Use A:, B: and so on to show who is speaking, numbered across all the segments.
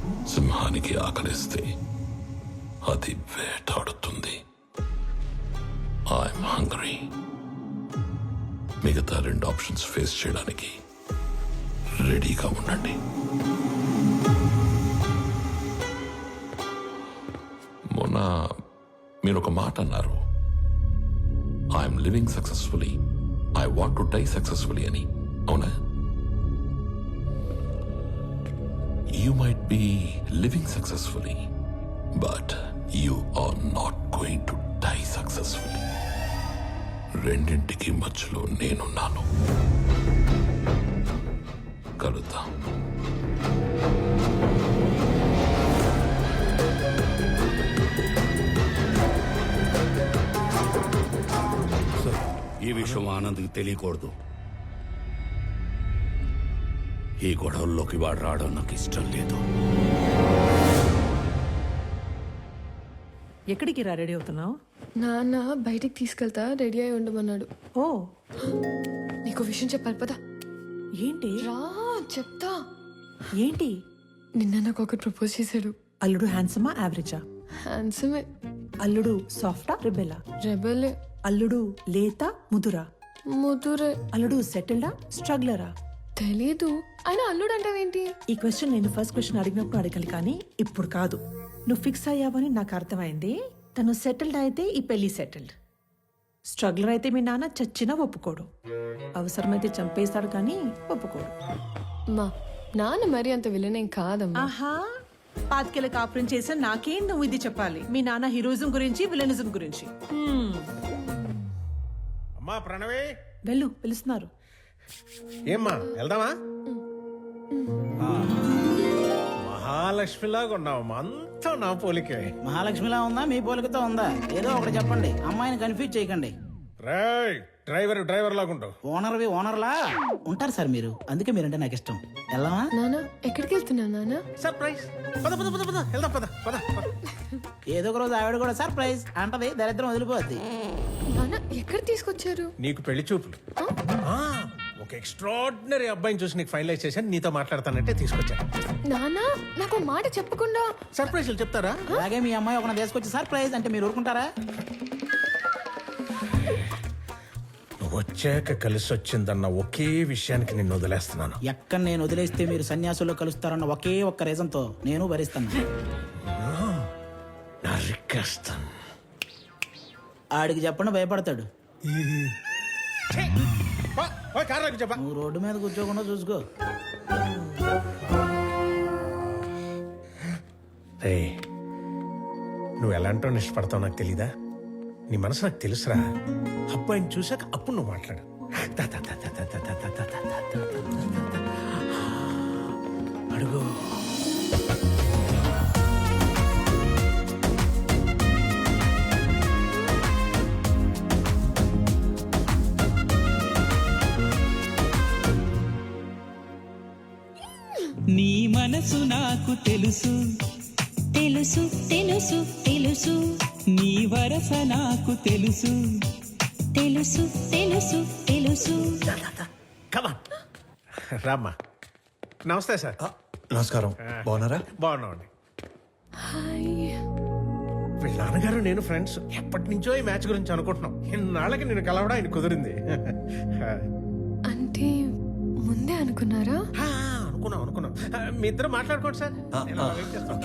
A: సింహానికి ఆకలిస్తే అది వేటాడుతుంది. I'm hungry. మిగతా 2 ఆప్షన్స్ ఫేస్ చేయడానికి రెడీగా ఉండండి. మొన్న మీరు ఒక మాట అన్నారు, I'm living successfully, I want to die successfully అని. అవునా? You might be living successfully, but you are not going to die successfully. రెండింటికి మధ్యలో నేనున్నాను. కలుద్దాం.
B: ఈ విషయం ఆనంద్కి తెలియకూడదు. ఈ గొడవల్లోకి వాడు రావడం నాకు ఇష్టం లేదు.
C: ఎక్కడికి రా రెడీ అవుతున్నావు?
D: నాన్న బయటికి తీసుకెళ్తా, రెడీ అయి ఉండమన్నాడు.
C: ఓ,
D: నీకు విషయం చెప్పాలి పదా.
C: ఏంటి?
D: రా చెప్తా.
C: ఏంటి?
D: నిన్న నాకు ఒకటి ప్రపోజ్ చేశాడు.
C: అల్లుడు హ్యాండ్సమా యావరేజా?
D: హ్యాండ్సమే.
C: అల్లుడు సాఫ్టా రెబెలా?
D: రెబలే.
C: అల్లుడు లేత ముదురా?
D: ముదురే.
C: అల్లుడు సెటిల్డా స్ట్రగ్లరా?
D: తెలీదు. అయినా అల్లుడు అంటావేంటి?
C: ఈ క్వశ్చన్ నేను ఫస్ట్ క్వశ్చన్ అడిగినప్పుడు అడగాలి, కానీ ఇప్పుడు కాదు. నువ్వు ఫిక్స్ అయ్యావని నాకు అర్థమైంది. తను సెటిల్డ్ అయితే ఈ పెళ్లి సెటిల్డ్. స్ట్రగ్లర్ అయితే మీ నాన్న చచ్చినా ఒప్పుకోడు. అవసరమైతే చంపేస్తాడు కానీ ఒప్పుకోడు.
D: మా నాన్న మరి అంత విలనేం కాదమ్మా.
C: ఆహా, పాతికేళ్ళ కాపురం చేసిన నాకేం నువ్వు ఇది చెప్పాలి? మీ నాన్న హీరోయిజం గురించి, విలనిజం గురించి.
E: అమ్మా ప్రణవే,
C: వెళ్ళు, పిలుస్తున్నారు.
E: ఏమ్మా వెళ్దామా? మహాలక్ష్మిలాగా ఉన్నావమ్మా, అంతా నా పోలికే.
F: మహాలక్ష్మిలా ఉందా, మీ పోలికతో ఉందా? ఏదో ఒకటి చెప్పండి, అమ్మాయిని కన్ఫ్యూజ్ చేయకండి.
E: రేయ్, డ్రైవర్ లాగా ఉంటావు.
F: ఓనర్లా ఉంటారు సార్ మీరు, అందుకే మీరంటే నాకు ఇష్టం. వెళ్దామా?
D: నాన్న ఎక్కడికి వెళ్తున్నా నాన్న?
E: సర్ప్రైజ్. పద పద పద పద వెళ్దాం, పద పద.
F: ఏదో ఒక రోజు ఆవిడ కూడా సర్ప్రైజ్ అంటది, దరిద్రం వదిలిపోద్ది.
D: నాన్న ఎక్కడ తీసుకొచ్చారు?
E: నీకు పెళ్లి చూపులు. ఒక ఎక్స్ట్రాడినరీ అబ్బాయిని చూసి నీకు ఫైనలైజ్ చేశాను, నీతో మాట్లాడతానంటే తీసుకొచ్చాను.
D: నాన్న నాకు మాట చెప్పకుండా
E: సర్ప్రైజ్లు చెప్తారా?
F: అలాగే మీ అమ్మాయి ఒక తీసుకొచ్చి సర్ప్రైజ్ అంటే మీరు ఊరుకుంటారా?
E: నువ్వు వచ్చాక కలిసి వచ్చిందన్న ఒకే విషయానికి నిన్ను వదిలేస్తున్నాను.
F: ఎక్కడ నేను వదిలేస్తే మీరు సన్యాసుల్లో కలుస్తారన్న ఒకే ఒక్క రీజన్ తో నేను భరిస్తాను.
E: నరికేస్తాను.
F: ఆడికి చెప్పండి, భయపడతాడు.
E: చెప్పా,
F: నువ్వు రోడ్డు మీద కూర్చోకుండా చూసుకో.
E: నువ్వు ఎలాంటో ఇష్టపడతావు నాకు తెలీదా? నీ మనసు నాకు తెలుసురా. అబ్బాయిని చూసాక అప్పుడు నువ్వు మాట్లాడు. అడుగు.
G: నీ మనసు నాకు తెలుసు
H: తెలుసు తెలుసు తెలుసు,
G: నీ వరస నాకు తెలుసు
H: తెలుసు తెలుసు తెలుసు.
E: రామ్మా. నమస్తే సార్.
I: నమస్కారం. బాగున్నారా?
E: బాగున్నామండి.
D: హాయ్.
E: వీళ్ళ నాన్నగారు నేను ఫ్రెండ్స్. ఎప్పటి నుంచో ఈ మ్యాచ్ గురించి అనుకుంటున్నాం. ఇన్నాళ్ళకి నేను కలవడం ఆయన కుదిరింది.
D: అంటే ముందే అనుకున్నారా?
E: అనుకున్నాం. మీ ఇద్దరు మాట్లాడుకోండి సార్. నేను అలా వెయిట్ చేస్తాను.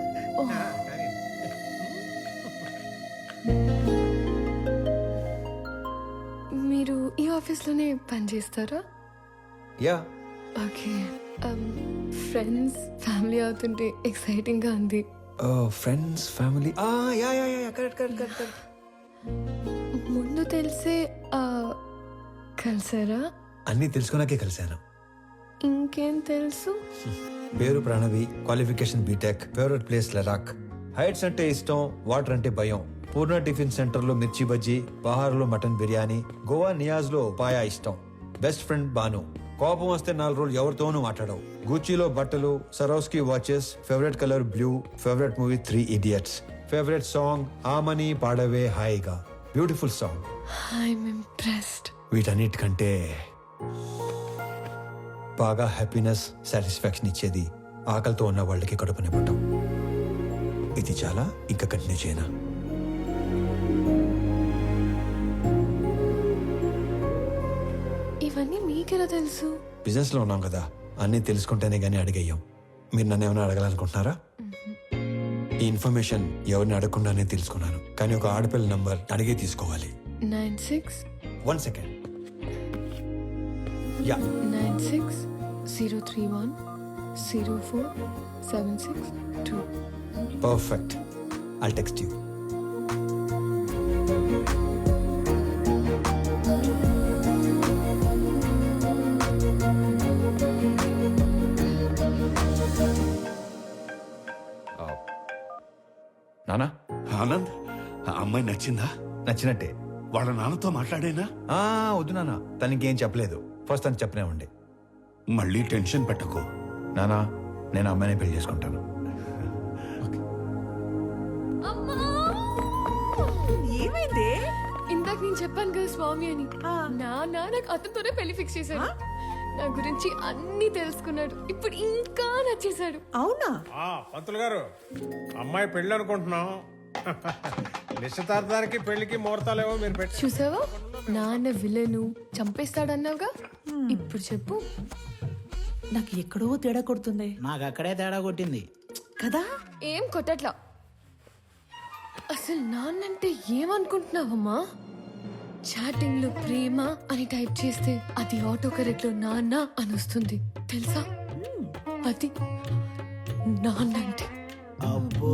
D: మీరు ఈ ఆఫీస్లోనే పనిచేస్తారా?
I: యా.
D: ఓకే. ఫ్రెండ్స్ ఫ్యామిలీ అవుతుంటే ఎక్సైటింగ్ గా ఉంది.
I: Friends family. Yeah yeah yeah, correct.
D: ముందు తెలిసే కలిసారా?
I: అన్నీ తెలుసుకున్నాకే కలిశాను.
D: ఇంకేం తెలుసు?
I: పేరు Pranavi, qualification BTech, favourite place Ladakh, heights అంటే ఇష్టం, వాటర్ అంటే భయం, పూర్ణ టిఫిన్ సెంటర్ లో మిర్చి బజ్జీ, బహార్ లో మటన్ బిర్యానీ, గోవా నియాజ్ లో పాయా ఇష్టం, బెస్ట్ ఫ్రెండ్ బాను, కోపం వస్తే 4 రోజులు ఎవరితోనూ మాట్లాడవు, గూచీలో బట్టలు, Swarovski watches, favourite colour blue, favourite movie 3 Idiots, favourite song ఆమని పాడవే హాయిగా, బ్యూటిఫుల్ సాంగ్.
D: I'm impressed.
I: వీటన్నిటికంటే బాగా హ్యాపీనెస్, సాటిస్ఫాక్షన్ ఇచ్చేది ఆకలితో ఉన్న వాళ్ళకి కడుపు నింపటం. ఇది చాలా ఇంకా కంటిన్యూ చేయనా?
D: ఇవన్నీ మీకెలా తెలుసు?
I: బిజినెస్లో ఉన్నాం కదా, అన్నీ తెలుసుకుంటేనే కానీ అడిగేయం. మీరు నన్ను ఏమైనా అడగాలనుకుంటున్నారా? ఈ ఇన్ఫర్మేషన్ ఎవరిని అడగకుండానే తెలుసుకున్నాను, కానీ ఒక ఆడపిల్ల నంబర్ అడిగే తీసుకోవాలి.
D: 96
I: 1 second. Yeah,
D: 96 031 04 762.
I: Perfect. I'll text you.
B: నానా ఆనంద్, ఆ అమ్మాయి నచ్చిందా?
I: నచ్చినట్టే.
B: వాళ్ళ నాన్నతో మాట్లాడేనా?
I: వద్దు నాన్న, తనకేం చెప్పలేదు. ఫస్ట్ తను చెప్పనే ఉండే.
B: మళ్ళీ టెన్షన్ పెట్టకు.
I: నానా, నేను అమ్మాయిని పెళ్లి చేసుకుంటాను.
C: ఏమైంది?
D: ఇందాక నేను చెప్పాను కదా స్వామి అని. నాకు అతనితోనే పెళ్లి ఫిక్స్ చేశాడు. నా గురించి అన్ని తెలుసుకున్నాడు. ఇప్పుడు ఇంకా నచ్చేశాడు.
C: అవునా?
E: పంతులు గారు, అమ్మాయి పెళ్ళి అనుకుంటున్నాం. నిశ్చితార్థానికి పెళ్లికి ముహూర్తాలేవో మీరు పెట్టి.
D: చూసావా, నాన్న విలను చంపేస్తాడన్నావుగా. ఇప్పుడు చెప్పు.
C: నాకు ఎక్కడో తేడా కొడుతుంది
F: నాకు అక్కడే తేడా కొట్టింది
C: కదా.
D: ఏం కొట్టట్లా. అసలు నాన్నంటే ఏమనుకుంటున్నావమ్మా? చాటింగ్ లో ప్రేమ అని టైప్ చేస్తే అది ఆటో కరెక్ట్ లో నాన్న అని వస్తుంది తెలుసా? అది నాన్నంటే.
F: అబ్బో.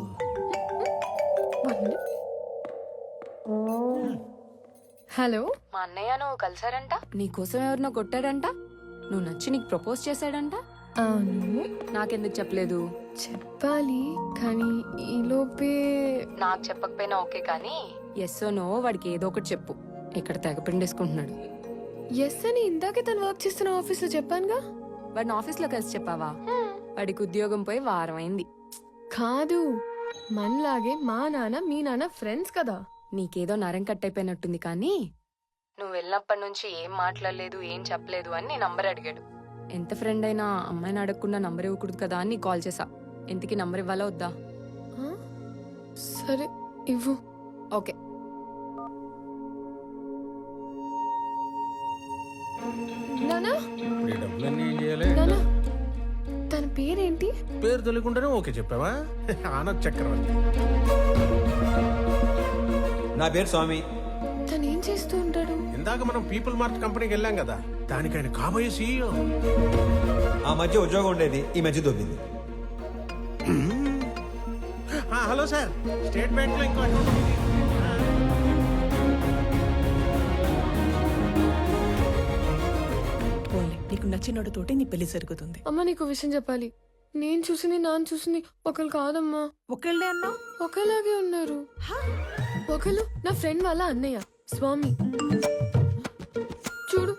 D: హలో,
J: మా అన్నయ్య నువ్వు కలిసారంట, నీకోసం ఎవరినో కొట్టాడంట, నువ్వు నచ్చి నీకు ప్రపోజ్ చేశాడంట.
D: అవును.
J: నాకెందుకు చెప్పలేదు?
D: చెప్పాలి కానీ ఈలోపే.
J: నాకు చెప్పకపోయినా ఓకే, కానీ ఎస్ నో వాడికి ఏదో ఒకటి చెప్పు. ఇక్కడ తెగ పిండేసుకుంటున్నాడు.
D: ఎస్ అని ఇందాకే తను వర్క్ చేస్తున్న ఆఫీస్ లో చెప్పానుగా.
J: వాడిని ఆఫీస్లో కలిసి చెప్పావా? వాడికి ఉద్యోగం పోయి వారం అయింది.
D: కాదు, మనలాగే మా నాన్న మీ నాన్న ఫ్రెండ్స్ కదా.
J: నీకేదో నరం కట్టయిపోయినట్టుంది, కానీ నువ్వు వెళ్ళినప్పటి నుంచి ఏం మాట్లాడలేదు, ఏం చెప్పలేదు అని నీ నంబర్ అడిగాడు. ఎంత ఫ్రెండ్ అయినా అమ్మాయిని అడగకుండా నంబర్ ఇవ్వకూడదు కదా అని కాల్ చేసా. ఎంతకి నంబర్ ఇవ్వాలా వద్దా?
D: సరే ఇవ్వు.
J: ఓకే.
D: నానా,
E: ఈ డబ్బులన్నీ ఏం చేయాలి?
D: నానా, తన పేరేంటి?
E: పేరు తెలియకుండానే ఓకే చెప్పావా? ఆనంద్ చక్రవర్తి.
I: నా పేరు స్వామి.
D: తను ఏం చేస్తూ ఉంటాడు?
E: ఇందాక మనం పీపుల్ మార్ట్ కంపెనీకి వెళ్ళాం కదా, దానికి ఆయన కాబోయే సీఈఓ.
I: ఆ మధ్య ఉద్యోగం ఉండేది, ఈ మధ్య దొబ్బింది.
E: హలో సార్, స్టేట్ బ్యాంక్ లో ఇంకో అకౌంట్ ఉంది.
C: పోన్లే, నీకు నచ్చినోడితోటి నీ పెళ్లి జరుగుతుంది.
D: అమ్మ, నీకు విషయం చెప్పాలి. నేను చూసింది నాన్న చూసింది ఒకరు కాదమ్మా.
C: ఒకళ్ళే అన్నావు.
D: ఒకలాగే ఉన్నారు. ఒకరు నా ఫ్రెండ్ వాళ్ళ అన్నయ్య స్వామి. చూడు.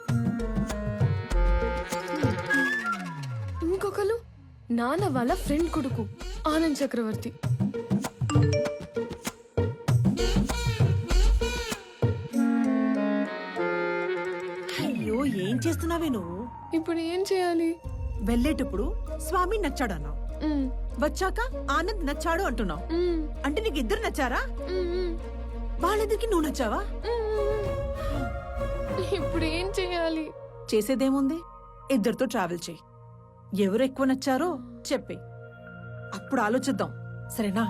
D: ఇంకొకరు నాన్న వాళ్ళ ఫ్రెండ్ కొడుకు ఆనంద్ చక్రవర్తి.
C: అయ్యో, ఏం చేస్తున్నావే నువ్వు?
D: ఇప్పుడు ఏం చేయాలి?
C: వెళ్ళేటప్పుడు స్వామి నచ్చాడన్నావు, వచ్చాక ఆనంద్ నచ్చాడు అంటున్నావు. అంటే నీకు ఇద్దరు నచ్చారా? వాళ్ళిద్దరికి నువ్వు నచ్చావా?
D: ఇప్పుడు ఏం చేయాలి?
C: చేసేదేముంది, ఇద్దరితో ట్రావెల్ చేయి. ఎవరు ఎక్కువ నచ్చారో చెప్పే, అప్పుడు ఆలోచిద్దాం. సరేనా?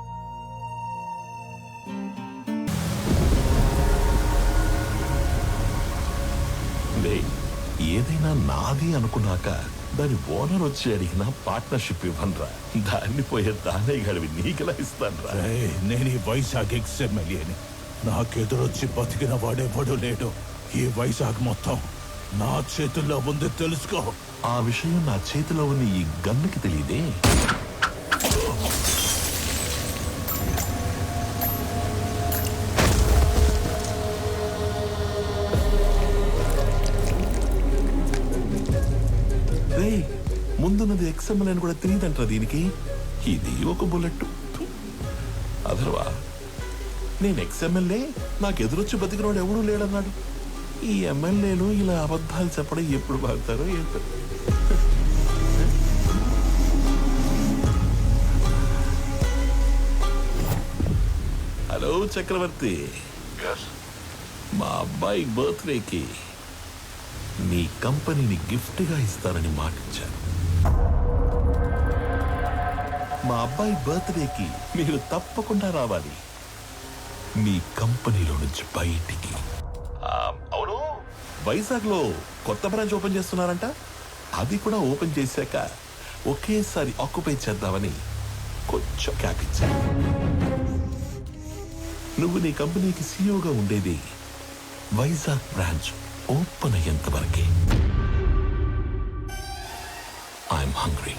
A: ఏదైనా నాది అనుకున్నాక దాని ఓనర్ వచ్చి అడిగిన పార్ట్నర్షిప్ ఇవ్వనరా. దాన్ని పోయే దానే గడివి నీకెలా ఇస్తానరా?
B: నేను ఈ వైజాగ్ ఎక్స్ఎమ్మెల్యేని. నాకెదురొచ్చి బతికిన వాడెవడు లేడు. ఈ వైజాగ్ మొత్తం నా చేతుల్లో ఉంది, తెలుసుకో.
A: ఆ విషయం నా చేతిలో ఉన్న ఈ గన్నుకి తెలియదే. ముందున్నది ఎక్స్ఎంఎల్ అని కూడా తెలియదంటారా దీనికి? ఇది ఒక బుల్లెట్. అదర్వా నేను ఎక్స్ఎంఎల్ఏ, నాకు ఎదురొచ్చి బతికినోడు ఎవడూ లేడన్నాడు. ఈ ఎమ్మెల్యేలు ఇలా అబద్ధాలు చెప్పడం ఎప్పుడు బాగుతారో ఏంటో. హలో చక్రవర్తి, మా అబ్బాయి బర్త్డేకి నీ కంపెనీని గిఫ్ట్గా ఇస్తానని మాటిచ్చాను. మా అబ్బాయి బర్త్డేకి మీరు తప్పకుండా రావాలి మీ కంపెనీలో నుంచి బయటికి. అవును, వైజాగ్లో కొత్త బ్రాంచ్ ఓపెన్ చేస్తున్నారంట. అది కూడా ఓపెన్ చేశాక ఒకేసారి ఆక్యుపై చేద్దామని కొంచెం క్యాప్ ఇచ్చాను. నువ్వు నీ కంపెనీకి సీఈఓగా ఉండేది వైజాగ్ బ్రాంచ్ ఓపెన్ అయ్యేంత వరకే. I'm hungry.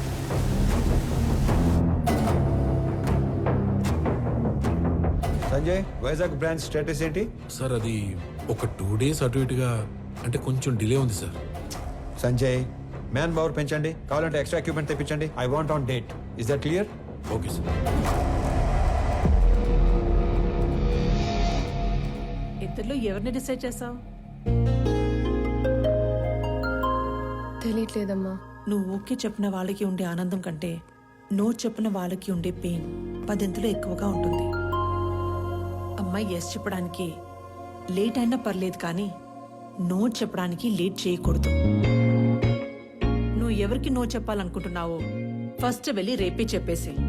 I: Sanjay, Vizag branch status ఏంటి?
E: సార్ అది ఒక 2 days అటు ఇటుగా అంటే కొంచెం డిలే ఉంది సార్.
I: సంజయ్, మ్యాన్ పవర్ పెంచండి, కావాలంటే ఎక్స్ట్రా ఎక్విప్మెంట్ తెప్పించండి. I want on date. Is that clear?
E: Okay sir.
C: ఇద్దరిలో ఎవరిని డిసైడ్ చేసావు?
D: తెలియట్లేదమ్మా.
C: నువ్వు ఓకే చెప్పిన వాళ్ళకి ఉండే ఆనందం కంటే నో చెప్పిన వాళ్ళకి ఉండే పెయిన్ 10 ఎక్కువగా ఉంటుంది. అమ్మాయి ఎస్ చెప్పడానికి లేట్ అయినా పర్లేదు, కానీ నో చెప్పడానికి లేట్ చేయకూడదు. నువ్వు ఎవరికి నో చెప్పాలనుకుంటున్నావో ఫస్ట్ వెళ్ళి రేపే చెప్పేసి